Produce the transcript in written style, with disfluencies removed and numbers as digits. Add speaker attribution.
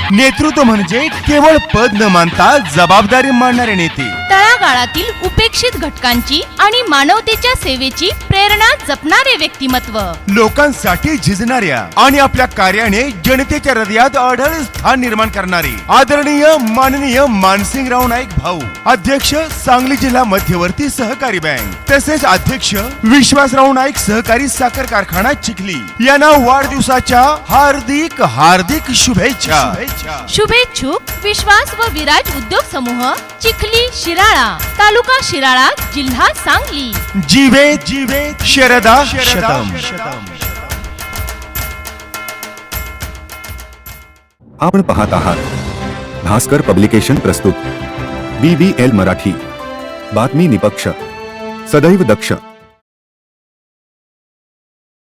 Speaker 1: नेतृत्व म्हणजे केवळ पद न मानता जबाबदारी मानणारे नेते,
Speaker 2: तळागाळातील उपेक्षित घटकांची आणि मानवतेच्या सेवेची प्रेरणा जपणारे व्यक्तिमत्व,
Speaker 1: लोकांसाठी झिजणाऱ्या आणि आपल्या कार्याने जनतेच्या हृदयात अढळ स्थान निर्माण करणारे आदरणीय माननीय मानसिंगराव नाईक भाऊ, अध्यक्ष सांगली जिल्हा मध्यवर्ती सहकारी बँक, तसेच अध्यक्ष विश्वासराव नाईक सहकारी साखर कारखाना चिखली यांना वाढदिवसाच्या हार्दिक हार्दिक शुभेच्छा।
Speaker 2: शुभेच्छुक विश्वास व विराज उद्योग समूह, चिखली शिराळा, तालुका शिराळा, जिल्हा सांगली।
Speaker 1: जीवे जीवे शरदा शतम।
Speaker 3: आपण पाहत आहात भास्कर पब्लिकेशन प्रस्तुत BBL मराठी, बातमी निपक्ष, सदैव दक्ष।